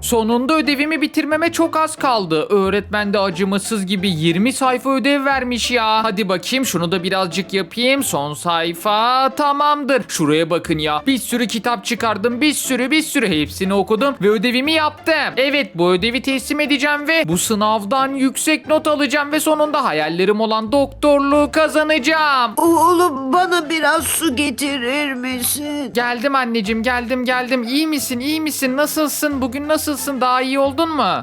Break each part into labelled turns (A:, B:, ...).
A: Sonunda ödevimi bitirmeme çok az kaldı. Öğretmen de acımasız gibi 20 sayfa ödev vermiş ya. Hadi bakayım şunu da birazcık yapayım. Son sayfa tamamdır. Şuraya bakın ya. Bir sürü kitap çıkardım. Bir sürü hepsini okudum ve ödevimi yaptım. Evet, bu ödevi teslim edeceğim ve bu sınavdan yüksek not alacağım ve sonunda hayallerim olan doktorluğu kazanacağım.
B: Oğlum bana biraz su getirir misin?
A: Geldim anneciğim, geldim. İyi misin? Nasılsın? Bugün nasılsın? Daha iyi oldun mu?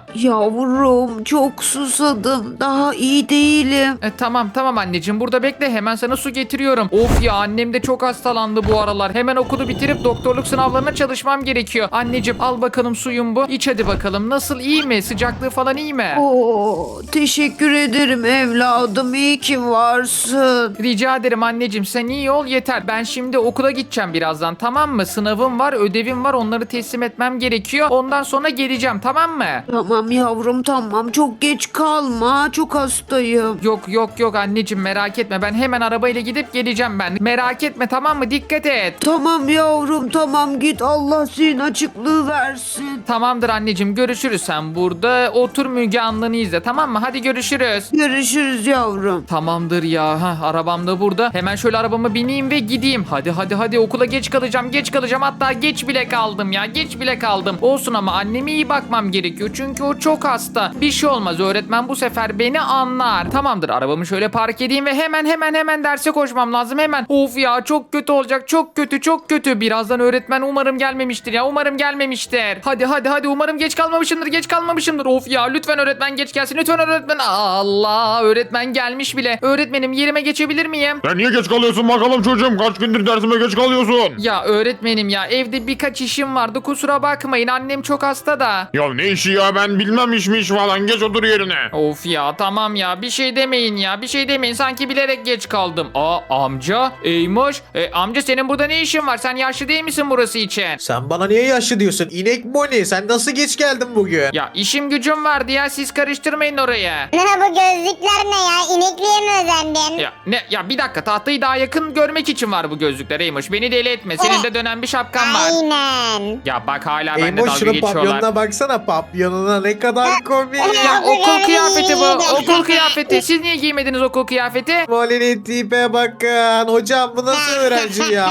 B: Yavrum çok susadım. Daha iyi değilim.
A: Tamam anneciğim, burada bekle, hemen sana su getiriyorum. Of ya, annem de çok hastalandı bu aralar. Hemen okulu bitirip doktorluk sınavlarına çalışmam gerekiyor. Anneciğim al bakalım suyun bu. İç hadi bakalım. Nasıl, iyi mi? Sıcaklığı falan iyi mi?
B: Oo, teşekkür ederim evladım. İyi ki varsın.
A: Rica ederim anneciğim, sen iyi ol yeter. Ben şimdi okula gideceğim birazdan, tamam mı? Sınavım var, ödevim var, onları teslim etmem gerekiyor. Ondan sonra geleceğim, tamam mı?
B: Tamam yavrum tamam. Çok geç kalma. Çok hastayım.
A: Yok anneciğim, merak etme, ben hemen arabayla gidip geleceğim ben. Merak etme, tamam mı? Dikkat et.
B: Tamam yavrum tamam git. Allah senin açıklığı versin.
A: Tamamdır anneciğim, görüşürüz. Sen burada otur, Müge Anlı'nı izle, tamam mı? Hadi görüşürüz.
B: Görüşürüz yavrum.
A: Tamamdır ya. Arabam da burada. Hemen şöyle arabama bineyim ve gideyim. Hadi okula geç kalacağım. Hatta geç bile kaldım ya. Geç bile kaldım. Olsun ama anneme iyi bakmam gerekiyor. Çünkü o çok hasta. Bir şey olmaz. Öğretmen bu sefer beni anlar. Tamamdır. Arabamı şöyle park edeyim ve hemen derse koşmam lazım. Hemen. Of ya, çok kötü olacak. Çok kötü. Birazdan öğretmen umarım gelmemiştir ya. Umarım gelmemiştir. Hadi. Umarım geç kalmamışımdır. Of ya, lütfen öğretmen geç gelsin. Lütfen öğretmen. Allah, öğretmen gelmiş bile. Öğretmenim, yerime geçebilir miyim?
C: Sen niye geç kalıyorsun bakalım çocuğum? Kaç gündür dersime geç kalıyorsun?
A: Ya öğretmenim ya, evde birkaç işim vardı, kusura bakmayın, annem çok hasta da.
C: Ya ne işi ya, ben bilmem iş falan, geç otur yerine.
A: Of ya, tamam ya, bir şey demeyin, sanki bilerek geç kaldım. Amca, Eymoş, amca senin burada ne işin var, sen yaşlı değil misin burası için?
D: Sen bana niye yaşlı diyorsun? İnek Moni, sen nasıl geç geldin bugün?
A: Ya işim gücüm vardı ya, siz karıştırmayın orayı.
E: Ne bu gözlükler ne ya? İnekliğe mi özendin?
A: Ya bir dakika, tahtayı daha yakın görmek için var bu gözlükler Eymoş, beni deli etme, senin de dönen bir şapkan var.
E: Aynen.
A: Ya bak, hala benimle
D: Eymoş,
A: dalga
D: şunun
A: geçiyorlar.
D: papyonuna baksana, papyonuna ne kadar komik.
A: Ya okul kıyafeti bu,
E: iyiydi.
A: okul kıyafeti. Siz niye giymediniz okul kıyafeti?
D: Moli'nin tipe bakın. Hocam bu nasıl öğrenci ya?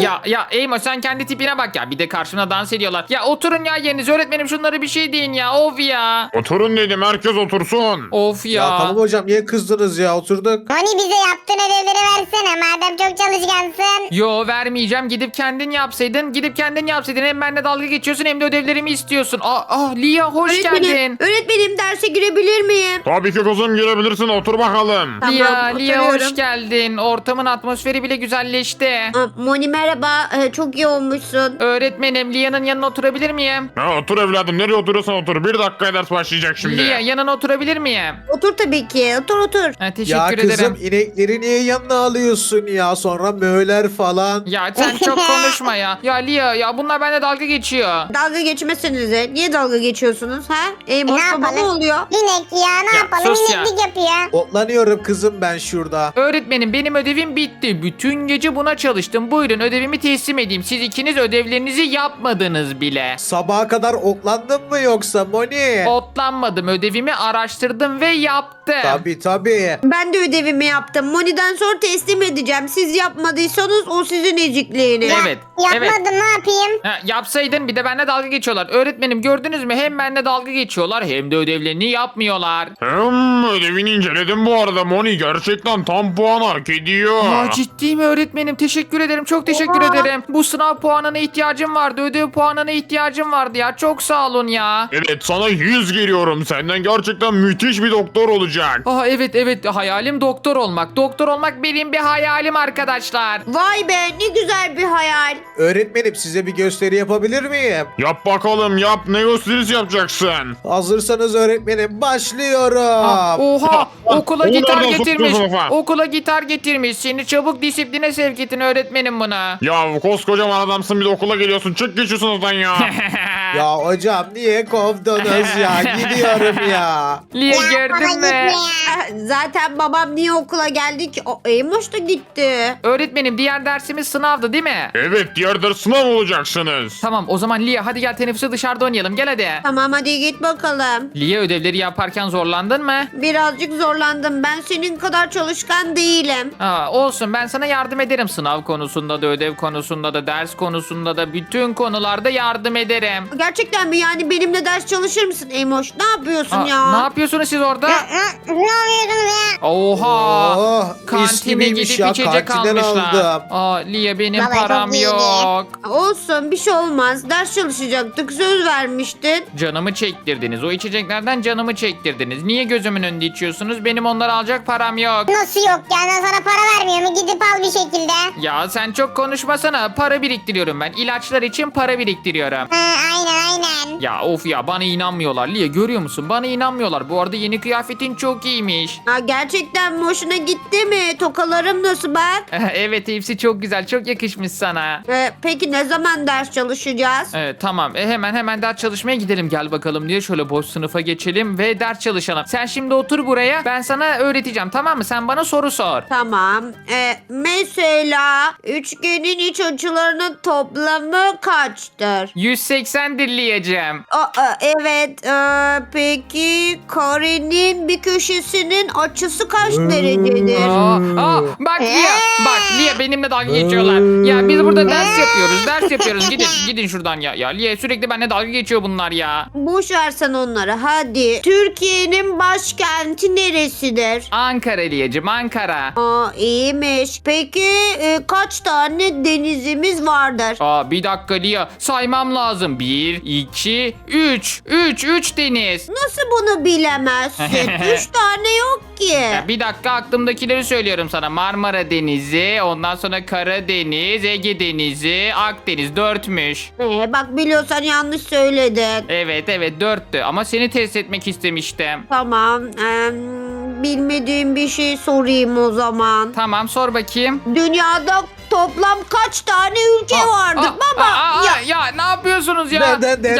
A: Ya Eymo, sen kendi tipine bak ya. Bir de karşımda dans ediyorlar. Ya oturun ya yerinize, öğretmenim şunları bir şey deyin ya. Of ya.
C: Oturun dedim, herkes otursun.
A: Of ya.
D: Ya tamam hocam, niye kızdınız ya, oturduk.
E: Hani bize yaptığın ödevleri versene madem çok çalışkansın.
A: Yo, vermeyeceğim. Gidip kendin yapsaydın. Hem benimle dalga geçiyorsun hem de ödevlerimi istiyorsun. Lia, hoş geldin.
B: Öğretmenim derse girebilir miyim?
C: Tabii ki kızım, girebilirsin, otur bakalım.
B: Tamam,
A: Lia hoş
B: oturuyorum.
A: geldin. Ortamın atmosferi bile güzelleşti.
B: Moni merhaba. Çok iyi olmuşsun.
A: Öğretmenim, Lia'nın yanına oturabilir miyim?
C: Ha, otur evladım, nereye oturuyorsan otur. Bir dakikaya ders başlayacak şimdi.
A: Lia, yanına oturabilir miyim?
B: Otur tabii ki. Otur.
A: Ha,
D: Ya
A: teşekkür
D: kızım,
A: ederim.
D: inekleri niye yanına alıyorsun ya? Sonra möler falan.
A: Ya sen çok konuşma ya. Ya Lia, ya bunlar benimle dalga geçiyor.
B: Dalga geçmesenize. Niye dalga geçiyorsunuz ha? Eymoş
E: Ne
B: baba ne
E: yapalım?
B: oluyor?
E: İnek ya ne
A: Ya,
E: yapalım
A: sus ya.
E: ineklik yapıyor.
D: Otlanıyorum kızım ben şurada.
A: Öğretmenim, benim ödevim bitti. Bütün gece buna çalıştım. Buyurun, ödevimi teslim edeyim. Siz ikiniz ödevlerinizi yapmadınız bile.
D: Sabaha kadar otlandın mı yoksa Moni?
A: Otlanmadım. Ödevimi araştırdım ve yaptım.
D: Tabii.
B: Ben de ödevimi yaptım. Moni'den sonra teslim edeceğim. Siz yapmadıysanız o sizin ezikliğiniz.
A: Evet.
E: Yapmadım ne yapayım?
A: Yapsaydın, bir de benimle dalga geçiyorlar. Öğretmenim, gördünüz mü? Hem benimle dalga geçiyorlar hem de ödevlerini yapmıyorlar.
C: Ödevini inceledim bu arada Moni, gerçekten tam puan hak ediyor.
A: Ciddi mi öğretmenim? Teşekkür ederim. Çok teşekkür ederim. Bu sınav puanına ihtiyacım vardı. Ödev puanına ihtiyacım vardı ya. Çok sağ olun ya.
C: Evet, sana 100 geliyorum, senden gerçekten müthiş bir doktor olacak.
A: Evet, hayalim doktor olmak. Doktor olmak benim bir hayalim arkadaşlar.
B: Vay be ne güzel bir hayal.
D: Öğretmenim, size bir gösteri yapabilir miyim?
C: Yap bakalım, yap, ne gösterisi yapacaksın?
D: Hazırsanız öğretmenim, başlıyorum.
A: Oha okula
C: Onu
A: gitar
C: nereden
A: getirmiş.
C: soktun sınıfa?
A: Okula gitar getirmiş. Seni çabuk disipline sevk edin öğretmenim buna.
C: Ya koskocaman adamsın bir de okula geliyorsun. Çık git şu sınıftan ya.
D: Ya hocam niye kovdunuz ya? Gidiyorum ya.
A: Lia
E: Ya baba
A: gördün
E: gitme
A: mü?
E: ya.
B: Zaten babam niye okula geldi ki? O Eymoş da gitti.
A: Öğretmenim diğer dersimiz sınavdı değil mi?
C: Evet diğer ders sınav olacaksınız.
A: Tamam o zaman Lia hadi gel teneffüse dışarıda oynayalım gel hadi.
B: Tamam hadi git bakalım.
A: Lia ödevleri yaparken zorlandın mı?
B: Birazcık zorlandım. Ben senin kadar çalışkan değilim.
A: Aa, olsun ben sana yardım ederim sınav konusunda da ödev konusunda da ders konusunda da bütün konularda yardım ederim.
B: Gerçekten mi? Yani benimle ders çalışır mısın Eymoş? Ne yapıyorsun
A: Aa,
B: ya?
A: ne yapıyorsunuz siz orada?
E: Ne yapıyorsunuz ya?
A: Oha.
D: Oh, mis
A: Kantine
D: gibiymiş
A: gidip
D: ya,
A: içecek
D: kantinden
A: almışlar.
D: aldım.
A: Aa, Lia benim
E: Baba,
A: param
E: çok iyiydi.
A: yok.
B: Olsun bir şey olmaz. Ders çalışacaktık. Söz vermiştin.
A: Canımı çektirdiniz. O içeceklerden canımı çektirdiniz. Niye gözümün önünde içiyorsunuz? Benim onları alacak param yok.
E: Nasıl yok ya? Ben sana para vermiyor mu? Gidip al bir şekilde.
A: Ya sen çok konuşmasana. Para biriktiriyorum ben. İlaçlar için para biriktiriyorum.
E: Aynen.
A: Ya of ya bana inanmıyorlar. Lia görüyor musun? Bana inanmıyorlar. Bu arada yeni kıyafetin çok iyiymiş.
B: Ha, gerçekten mi? Hoşuna gitti mi? Tokalarım nasıl bak?
A: Evet hepsi çok güzel. Çok yakışmış sana.
B: Peki ne zaman ders çalışacağız?
A: Evet tamam. Hemen ders çalışmaya gidelim. Gel bakalım diye şöyle boş sınıfa geçelim ve ders çalışalım. Sen şimdi otur buraya. Ben sana öğreteceğim tamam mı? Sen bana soru sor.
B: Tamam. Mesela üçgenin iç açılarının toplamı kaçtır?
A: 180'dir Lia'cığım.
B: Evet. Peki karenin bir köşesinin açısı kaç derecedir?
A: Bak Lia. Bak Lia benimle dalga geçiyorlar. Ya biz burada ders yapıyoruz. Gidin şuradan ya. Ya Lia sürekli benimle dalga geçiyor bunlar ya.
B: Boş versen onları hadi. Türkiye'nin başkenti neresidir?
A: Ankara Lia'cığım Ankara.
B: İyiymiş. Peki kaç tane denizimiz vardır?
A: Bir dakika Lia saymam lazım. 1, 2, 3. 3 deniz.
B: Nasıl bunu bilemezsin? 3 tane yok ki.
A: Ya bir dakika aklımdakileri söylüyorum sana. Marmara Denizi, ondan sonra Karadeniz, Ege Denizi, Akdeniz 4'müş.
B: Bak biliyorsan yanlış söyledin.
A: Evet 4'tü ama seni test etmek istemiştim.
B: Tamam. Bilmediğim bir şey sorayım o zaman.
A: Tamam sor bakayım.
B: Dünyada toplam kaç tane ülke vardır baba?
A: Ya ne yapıyorsunuz ya?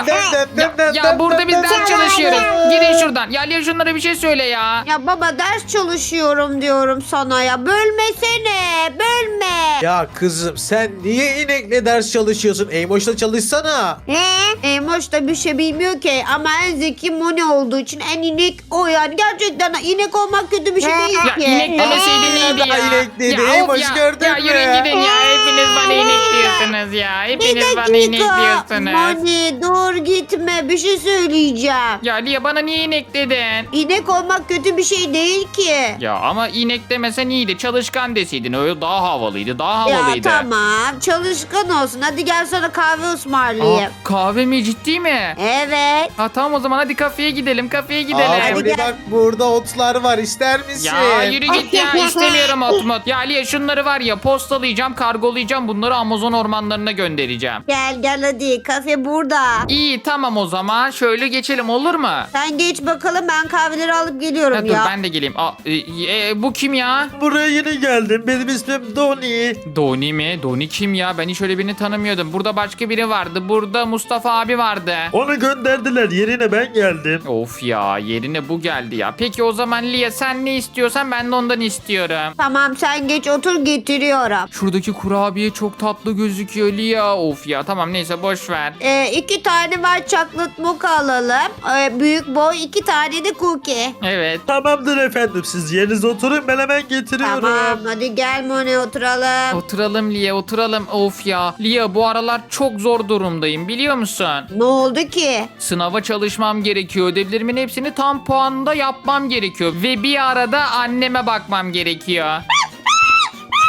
D: Ya,
A: burada biz ders
E: Ya,
A: çalışıyoruz.
E: ya.
A: Gidin şuradan. Ya Lia şunlara bir şey söyle ya.
B: Ya baba ders çalışıyorum diyorum sana ya. Bölmesene. Bölme.
D: Ya kızım sen niye inekle ders çalışıyorsun? Eymoş'la çalışsana.
E: Ne?
B: Eymoş da bir şey bilmiyor ki ama en zeki Moni olduğu için en inek o yani. Gerçekten inek olmak kötü bir şey değil
A: Ya
B: ki.
A: inek demeseydin iyiydi ya.
D: inek dedi.
A: Ya, of
D: Eymoş
A: ya.
D: gördün
A: Ya
D: mü?
A: yürüyün gidin ya. Hepiniz bana inek diyorsunuz ya. Hepiniz bana inek diyorsunuz.
B: Moni dur gitme bir şey söyleyeceğim.
A: Ya Lia bana niye inek dedin?
B: İnek olmak kötü bir şey değil ki.
A: Ya ama inek demesen iyiydi. Çalışkan deseydin. Öyle daha havalıydı. Daha
B: Ya
A: havalıydı.
B: tamam çalışkan olsun. Hadi gel sana kahve ısmarlayayım.
A: Kahve mi ciddi mi?
B: Evet.
A: Tamam o zaman hadi kafeye gidelim. Kafeye gidelim.
B: Hadi
D: Abi
B: gel.
D: bak burada otlar var ister misin?
A: Ya yürü git ya istemiyorum otmot. Ya Lia şunları var ya postalayacağım kargolayacağım bunları Amazon ormanlarına göndereceğim.
B: Gel hadi kafe burada.
A: İyi tamam o zaman şöyle geçelim olur mu?
B: Sen geç bakalım ben kahveleri alıp geliyorum
A: Dur
B: ya.
A: ben de geleyim. Bu kim ya?
D: Buraya yeni geldim. Benim ismim Doni.
A: Doni mi? Doni kim ya? Ben hiç öyle birini tanımıyordum. Burada başka biri vardı. Burada Mustafa abi vardı.
F: Onu gönderdiler. Yerine ben geldim.
A: Of ya yerine bu geldi ya. Peki o zaman Lia sen ne istiyorsan ben de ondan istiyorum.
B: Tamam sen geç otur getiriyorum.
A: Şuradaki kurabiye çok tatlı gözüküyor Lia. Of ya tamam neyse boş ver.
B: 2 tane var chocolate mocha alalım. Büyük boy 2 tane de cookie.
A: Evet.
F: Tamamdır efendim. Siz yerinize oturun. Ben hemen getiriyorum.
B: Tamam hadi gel Moni oturalım.
A: Oturalım Lia oturalım. Of ya. Lia bu aralar çok zor durumdayım biliyor musun?
B: Ne oldu ki?
A: Sınava çalışmam gerekiyor. Ödevlerimin hepsini tam puanında yapmam gerekiyor. Ve bir arada anneme bakmam gerekiyor.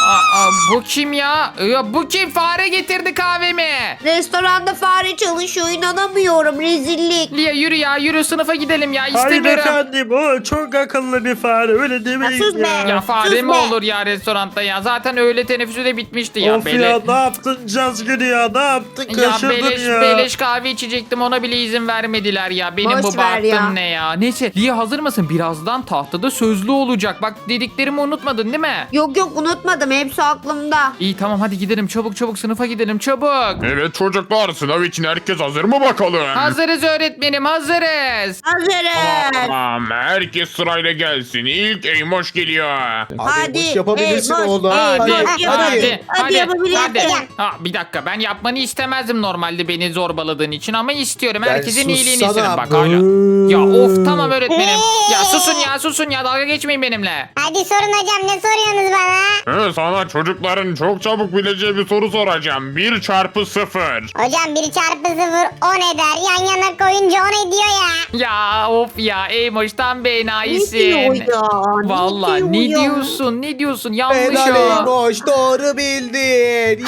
A: Bu kim ya? Bu kim? Fare getirdi kahvemi.
B: Restoranda fare çalışıyor, inanamıyorum, rezillik.
A: Lia yürü ya, yürü sınıfa gidelim ya,
F: Hayır
A: istemiyorum.
F: efendim o çok akıllı bir fare öyle demeyin
B: sus be.
F: ya.
A: Ya fare
B: Sus
A: mi
B: be.
A: olur ya restoranda ya? Zaten öğle teneffüsü de bitmişti ya.
F: Of ya ne yaptın Cazgır ya ne yaptın
A: Ya
F: kaçırdın ya.
A: beleş kahve içecektim, ona bile izin vermediler ya. Benim
B: Boş
A: bu
B: ver ya.
A: bahtım ne ya? Neyse Lia hazır mısın? Birazdan tahtada sözlü olacak. Bak dediklerimi unutmadın değil mi?
B: Yok yok, unutmadım, hepsi aklımda.
A: İyi tamam, hadi gidelim çabuk çabuk, sınıfa gidelim çabuk.
C: Evet çocuklar, sınav için herkes hazır mı bakalım?
A: Hazırız öğretmenim, hazırız.
B: Hazırız.
C: Tamam, herkes sırayla gelsin. İlk Eymoş geliyor.
B: Hadi,
D: boş yapabilirsin
B: boş,
D: oğlum.
B: boş,
D: Hadi,
B: hadi yapabilirsin.
A: Bir dakika, ben yapmanı istemezdim normalde beni zorbaladığın için ama istiyorum.
D: Ben
A: Herkesin iyiliğini
D: sussana.
A: isterim bak hala. Ya of tamam öğretmenim. Ya susun ya dalga geçmeyin benimle.
E: Hadi sorun hocam ne soruyorsunuz bana?
C: Sana çocukların çok çabuk bileceği bir soru soracağım. 1 çarpı 0.
E: Hocam 1 çarpı 0 10 eder. Yan yana koyunca 10 ediyor ya.
A: Ya of ya Eymoş tam
B: Ne
A: benayisin.
B: diyor ya?
A: Vallahi ne
B: diyor ya?
A: diyorsun? Ne diyorsun? Yanlış
D: Helal
A: o.
D: Eymoş, doğru bildin.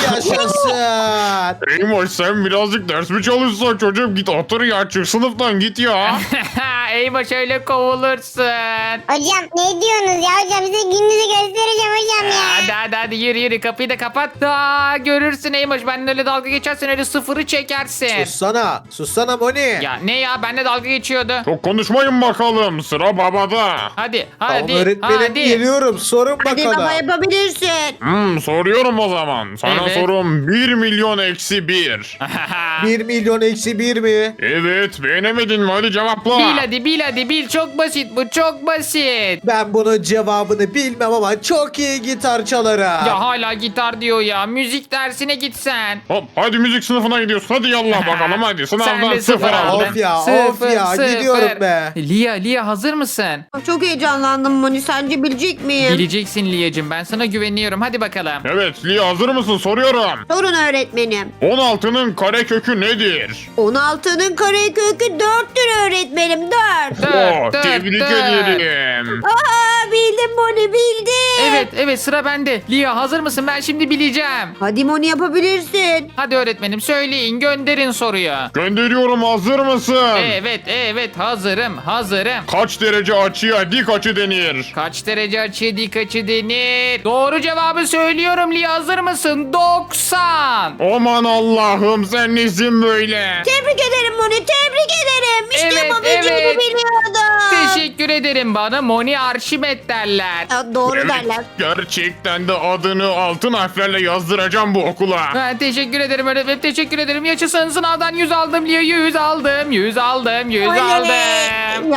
D: Yaşasın.
C: Eymoş sen birazcık ders mi çalışsan çocuğum? Git otur ya, çık sınıftan git ya.
A: Eymoş öyle kovulursun.
E: Hocam ne diyorsunuz ya hocam size gününüzü göstereceğim hocam ya.
A: Hadi yürü kapıyı da kapat. Görürsün Eymoş, benimle öyle dalga geçersen öyle sıfırı çekersin.
D: Sussana Moni.
A: Ya ne ya, benimle dalga geçiyordu.
C: Çok konuşmayın bakalım, sıra babada.
A: Hadi
D: Tamam öğretmenim, geliyorum. Sorun
B: Hadi
D: bakalım.
B: baba, yapabilirsin.
C: Soruyorum o zaman. Sana
A: Evet.
C: sorum 1 milyon eksi 1.
D: 1 milyon eksi 1 mi?
C: Evet, beğenemedin mi? Hadi cevapla.
A: Bil hadi, çok basit bu, çok basit.
D: Ben bunun cevabını bilmem ama çok iyi gitar çalarım.
A: Ya hala gitar diyor ya, müzik dersine gitsen.
C: Hop, hadi müzik sınıfına gidiyorsun. Hadi yallah bakalım hadi.
A: Sen
C: Sınavdan
A: de
C: 0
A: sıfır
C: aldın.
A: aldın.
D: Of ya, gidiyorum be.
A: Lia hazır mısın?
B: Çok heyecanlandım Moni, sence bilecek miyim?
A: Bileceksin Lia'cığım, ben sana güveniyorum, hadi bakalım.
C: Evet, Lia hazır mısın? Soruyorum.
B: Sorun öğretmenim.
C: 16'nın karekökü nedir?
B: 16'nın karekökü 4'tür öğretmenim, 4.
C: Tebrik ederim.
B: Aa, bildim Moni, bildim.
A: Evet sıra bende. Lia hazır mısın? Ben şimdi bileceğim.
B: Hadi Moni, yapabilirsin.
A: Hadi öğretmenim söyleyin, gönderin soruyu.
C: Gönderiyorum, hazır mısın?
A: Evet hazırım.
C: Kaç derece açıya dik açı denir?
A: Kaç derece açı dik açı denir? Doğru cevabı söylüyorum Lia, hazır mısın? 90.
C: Aman Allah'ım, sen nesin böyle?
B: Tebrik ederim Moni, tebrik ederim. İşte
A: Evet,
B: yapabileceğini
A: evet.
B: biliyordum.
A: Teşekkür ederim, bana Moni Arşimet derler.
B: Ya, doğru
C: Evet,
B: derler.
C: gerçekten de adını altın harflerle yazdıracağım bu okula.
A: Ha, teşekkür ederim öğretmenim, teşekkür ederim. Yaşasın, sınavdan 100 aldım Lia, 100 aldım.
B: Oley!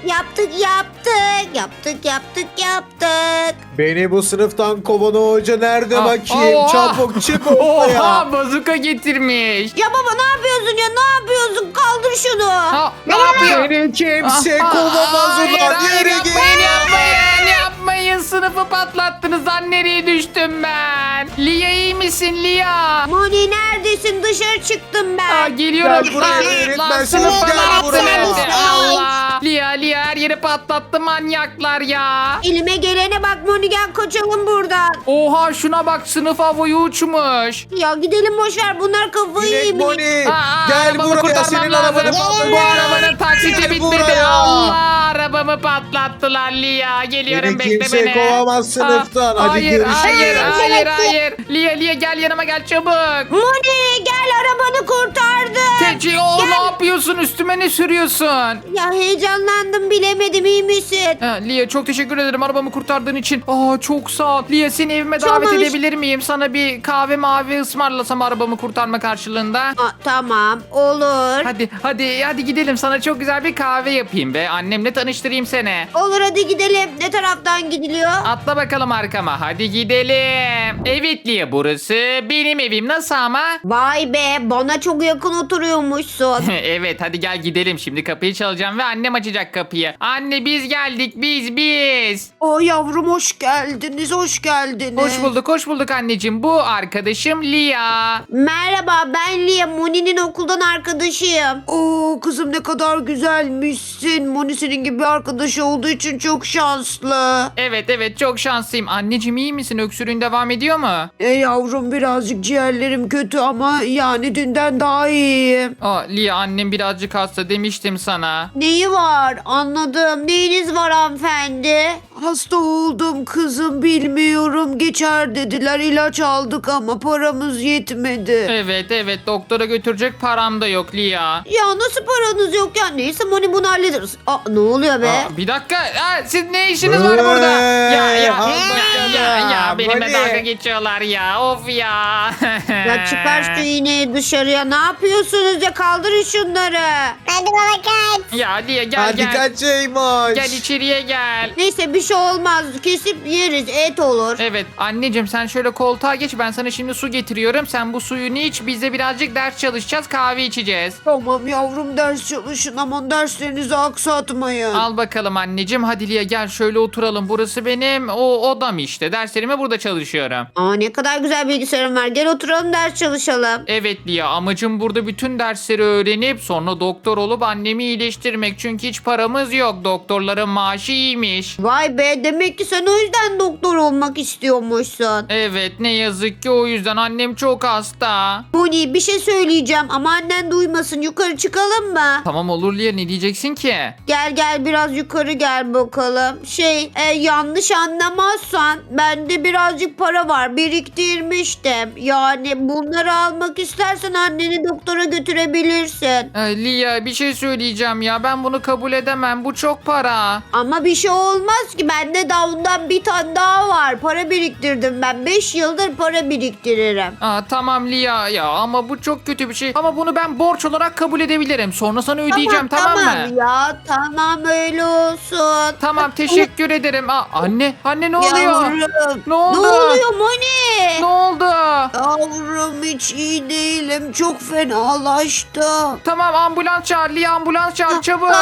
B: Yaptık.
D: Beni bu sınıftan kovan o hoca nerede
A: Aa,
D: bakayım?
A: oha!
D: Çabuk çık ortaya.
A: Oha, bazuka getirmiş.
B: Ya baba, ne yapıyorsun ya? Ne yapıyorsun? Kaldır şunu.
A: Ha, ne yapıyor?
D: Beni kimse kovamaz
A: Hayır,
D: ulan.
A: hayır,
D: Yürü git.
A: yapmayın. Sınıfı patlattınız lan, nereye düştüm ben? Lia iyi misin Lia?
B: Moni, neredesin? Dışarı çıktım ben.
A: Geliyorum.
D: Gel buraya, öğretmen
A: sınıfa
D: sınıf, gel buraya.
A: patlattı. Allah. Lia her yeri patlattı manyaklar ya.
B: Elime gelene bak Moni, gel kaçalım buradan.
A: Oha şuna bak, sınıf havaya uçmuş.
B: Ya gidelim, boşver, bunlar kafayı
D: Dilek
B: yemiş.
D: Moni. Gel
A: Arabamı
D: buraya,
A: kurtarmam
D: senin
A: lazım.
D: arabanı
A: Bu arabanın taksiti
D: Gel
A: bitmedi.
D: buraya.
A: Allah, arabamı patlattılar Lia. Geliyorum,
D: Beni
A: bekle
D: kimse
A: beni.
D: kovamaz sınıftan. Hadi
A: hayır,
D: görüşürüz.
A: hayır. Lia gel yanıma, gel çabuk.
B: Moni, gel, arabanı kurtardım.
A: Teci o ne yapıyorsun? Üstüme ne sürüyorsun?
B: Ya heyecanlandım, bilemedim, iyi misin?
A: Lia çok teşekkür ederim arabamı kurtardığın için. Çok sağ ol. Lia seni evime davet
B: Çalış.
A: edebilir miyim? Sana bir kahve mavi ısmarlasam arabamı kurtarma karşılığında.
B: Tamam, olur.
A: Hadi gidelim, sana çok güzel bir kahve yapayım ve annemle tanıştırayım seni.
B: Olur, hadi gidelim. Ne taraftan gidiliyor?
A: Atla bakalım arkama, hadi gidelim. Evet Lia, burası benim evim, nasıl ama?
B: Vay be, bana çok yakın oturuyormuşsun.
A: Evet hadi gel gidelim, şimdi kapıyı çalacağım ve annem açacak kapıyı. Anne biz geldik, biz.
B: Yavrum, hoş geldiniz.
A: Hoş bulduk anneciğim, bu arkadaşım Lia.
B: Merhaba, ben Lia, Moni'nin okuldan arkadaşıyım. Oo kızım, ne kadar güzelmişsin. bilirsin. Moni senin gibi bir arkadaş olduğu için çok şanslı.
A: Evet evet çok şanslıyım. Anneciğim iyi misin? Öksürüğün devam ediyor mu?
B: Yavrum birazcık ciğerlerim kötü ama yani dünden daha iyiyim.
A: Aa, Lia annem birazcık hasta demiştim sana.
B: Neyi var? Anladım. Neyiniz var hanımefendi? Hasta oldum kızım bilmiyorum. Geçer dediler. İlaç aldık ama paramız yetmedi.
A: Evet evet doktora götürecek param da yok Lia.
B: Ya nasıl paranız yok ya? Neyse Moni bunu hallederiz. Aa, ne oluyor be?
A: Aa, bir dakika. Siz ne işiniz var burada? Ya benimle
D: Moni.
A: dalga geçiyorlar ya. Of ya.
B: Ya çıkar şu iğneyi dışarıya. Ne yapıyorsunuz ya? Kaldırın şunları.
E: Hadi baba kaç.
A: Ya Lia gel
D: Hadi
A: gel.
D: kaçaymış.
A: Gel içeriye gel.
B: Neyse bir şey olmaz. Kesip yeriz. Et olur.
A: Evet anneciğim sen şöyle koltuğa geç, ben sana şimdi su getiriyorum. Sen bu suyunu iç, biz de birazcık ders çalışacağız, kahve içeceğiz.
B: Tamam yavrum ders çalışın. Aman derslerinizi aksatmayın.
A: Al bakalım anneciğim, hadi Lia gel şöyle oturalım. Burası benim odam işte, derslerimi burada çalışıyorum.
B: Aa, ne kadar güzel bilgisayarım var. Gel oturalım ders çalışalım.
A: Evet Lia, amacım burada bütün dersleri öğrenip sonra doktor olup annemi iyileştirmek. Çünkü hiç paramız yok, doktorların maaşı iyiymiş.
B: Vay be, demek ki sen o yüzden doktor olmak istiyormuşsun.
A: Evet ne yazık ki o yüzden, annem çok hasta.
B: Moni bir şey söyleyeceğim ama annen duymasın. Yukarı çıkalım mı?
A: Tamam olur Lia, ne diyeceksin ki?
B: Gel gel biraz yukarı gel bakalım. Yanlış anlamazsan bende birazcık para var, biriktirmiştim. Yani bunları almak istersen anneni doktora götürebilirsin.
A: Lia bir şey söyleyeceğim ya, ben bunu kabul edemem, bu çok para.
B: Ama bir şey olmaz ki, bende daha ondan bir tane daha var. Para biriktirdim ben. 5 yıldır para biriktiririm.
A: Tamam Lia ya, ama bu çok kötü bir şey. Ama bunu ben borç olarak kabul edebilirim. Sonra sana ödeyeceğim, tamam mı?
B: Ya tamam öyle olsun.
A: Tamam teşekkür ederim. Anne ne oluyor?
B: Yavrum.
A: Ne oldu?
B: Ne oluyor Moni?
A: Ne oldu?
B: Yavrum hiç iyi değilim. Çok fenalaştım.
A: Tamam ambulans çağır Lia, ambulans çağır çabuk.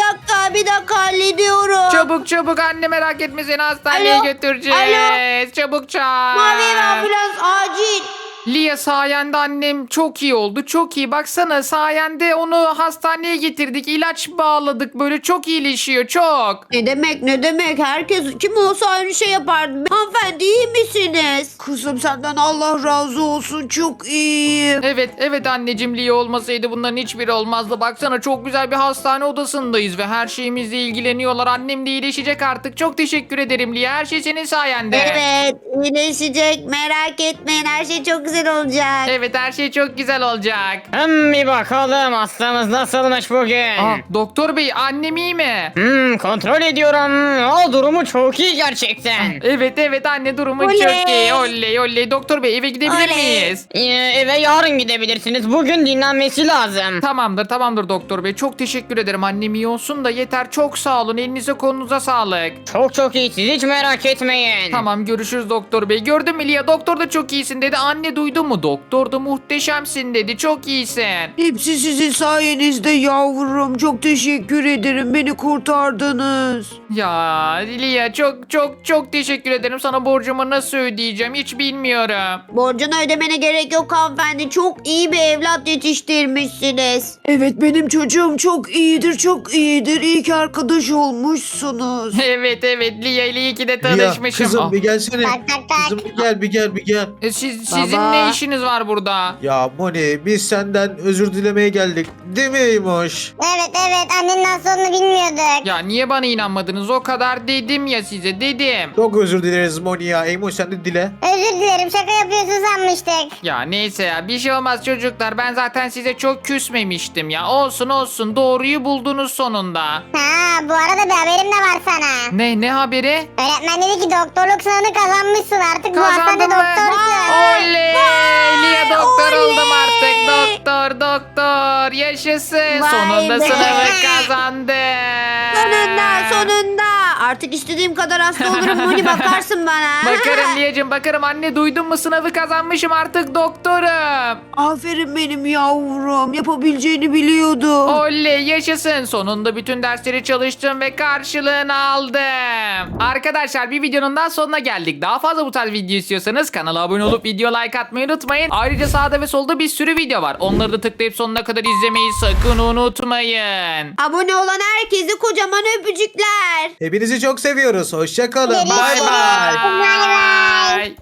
B: Bir dakika hallediyorum.
A: Çabuk anne merak etme, seni hastaneye
B: Alo,
A: götüreceğiz. Çabuk çağır.
B: Mavi ambulans acil.
A: Lia sayende annem çok iyi oldu, çok iyi. Baksana sayende onu hastaneye getirdik, ilaç bağladık, böyle çok iyileşiyor çok.
B: Ne demek? Herkes kim olsa aynı şey yapardı. Hanımefendi iyi misiniz? Kızım senden Allah razı olsun. Çok iyiyim.
A: Evet anneciğim, Lia olmasaydı bunların hiçbiri olmazdı. Baksana çok güzel bir hastane odasındayız ve her şeyimizle ilgileniyorlar. Annem de iyileşecek artık. Çok teşekkür ederim Lia. Her şey senin sayende.
B: Evet iyileşecek. Merak etmeyin. Her şey çok güzel olacak.
A: Evet her şey çok güzel olacak.
G: Bir bakalım hastamız nasılmış bugün.
A: Doktor bey annem iyi mi?
G: Kontrol ediyorum. O durumu çok iyi gerçekten.
A: Evet anne durumu
B: Oley.
A: çok iyi. Oley. Doktor bey eve gidebilir
B: Oley.
A: miyiz?
G: Eve yarın gidebilirsiniz. Bugün dinlenmesi lazım.
A: Tamamdır doktor bey. Çok teşekkür ederim. Annem iyi olsun da yeter. Çok sağ olun. Elinize kolunuza sağlık.
G: Çok iyi, siz hiç merak etmeyin.
A: Tamam görüşürüz doktor bey. Gördün mü Lia? Doktor da çok iyisin dedi. Anne duydu mu? Doktor da muhteşemsin dedi. Çok iyisin.
B: Hepsi sizin sayenizde yavrum. Çok teşekkür ederim. Beni kurtardınız.
A: Ya Lia çok teşekkür ederim. Sana borcumu nasıl ödeyeceğim hiç bilmiyorum.
B: Borcunu ödemene gerek yok hanımefendi. Çok iyi bir evlat yetiştirmişsiniz. Evet benim çocuğum çok iyidir. İyi ki arkadaş olmuşsunuz.
A: Evet Lia ile iyi ki de
D: Lia,
A: tanışmışım.
D: kızım bir gelsene.
E: Tak.
D: Kızım bir gel.
A: Sizin
B: Baba.
A: ne işiniz var burada?
D: Ya Moni biz senden özür dilemeye geldik. Değil mi Eymoş?
E: Evet annenin nasıl olduğunu bilmiyorduk.
A: Ya niye bana inanmadınız? O kadar dedim ya size, dedim.
D: Çok özür dileriz Moni ya. Eymoş sen de dile.
E: Özür dilerim, şaka yapıyorsun sanmıştık.
A: Ya neyse ya, bir şey olmaz çocuklar. Ben zaten size çok küsmemiştim ya. Olsun doğruyu buldunuz sonunda.
E: Bu arada bir haberim de var sana.
A: Ne haberi?
E: Öğretmen dedi ki doktorluk sınavını kazanmışsın, artık bu hastanede
A: Kazandım mı?
E: doktorsun.
A: Oley! Lia doktor oldum artık. Doktor. Yaşasın.
B: Vay
A: Sonunda
B: be.
A: sınavı kazandım.
B: Sonunda. Artık istediğim kadar hasta olurum Moni, bakarsın bana.
A: Bakarım Liyacım bakarım. Anne duydun mu, sınavı kazanmışım, artık doktorum.
B: Aferin benim yavrum. Yapabileceğini biliyordum.
A: Oley yaşasın. Sonunda bütün dersleri çalıştım ve karşılığını aldım. Arkadaşlar bir videonun daha sonuna geldik. Daha fazla bu tarz video istiyorsanız kanala abone olup video like atmayı unutmayın. Ayrıca sağda ve solda bir sürü video var. Onları da tıklayıp sonuna kadar izlemeyi sakın unutmayın.
B: Abone olan herkese kocaman öpücükler.
D: Hepinizi çok seviyoruz. Hoşça kalın.
E: Görüşürüz.
D: Bay bay.
E: Bay bay.
A: Bye.